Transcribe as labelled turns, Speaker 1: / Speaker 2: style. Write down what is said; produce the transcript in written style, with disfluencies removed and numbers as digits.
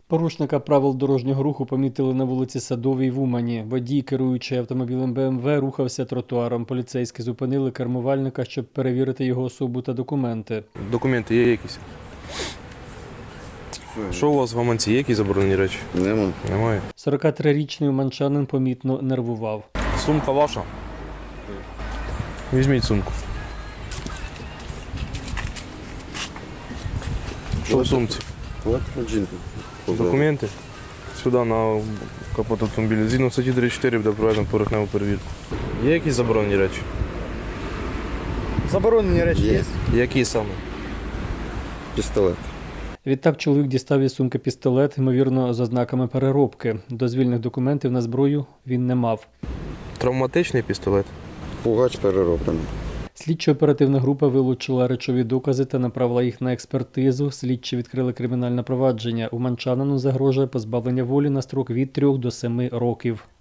Speaker 1: Порушника правил дорожнього руху помітили на вулиці Садовій в Умані. Водій, керуючи автомобілем БМВ, рухався тротуаром. Поліцейські зупинили кермувальника, щоб перевірити його особу та документи.
Speaker 2: Документи є якісь? Що у вас в гаманці? Є якісь заборонені речі?
Speaker 3: Нема.
Speaker 2: Немає.
Speaker 1: 43-річний уманчанин помітно нервував.
Speaker 2: Сумка ваша? Візьміть сумку. Що в сумці?
Speaker 3: От жінка.
Speaker 2: Документи? Сюди на капот автомобіля. Згідно статті 34 буде проведено поверхневу перевірку. Є якісь заборонені речі?
Speaker 4: Заборонені речі є.
Speaker 2: Які саме?
Speaker 3: Пістолет.
Speaker 1: Відтак чоловік дістав із сумки пістолет, ймовірно, за знаками переробки. Дозвільних документів на зброю він не мав.
Speaker 2: Травматичний пістолет?
Speaker 3: Пугач перероблений.
Speaker 1: Слідчо-оперативна група вилучила речові докази та направила їх на експертизу. Слідчі відкрили кримінальне провадження. Уманчанину загрожує позбавлення волі на строк від 3 до 7 років.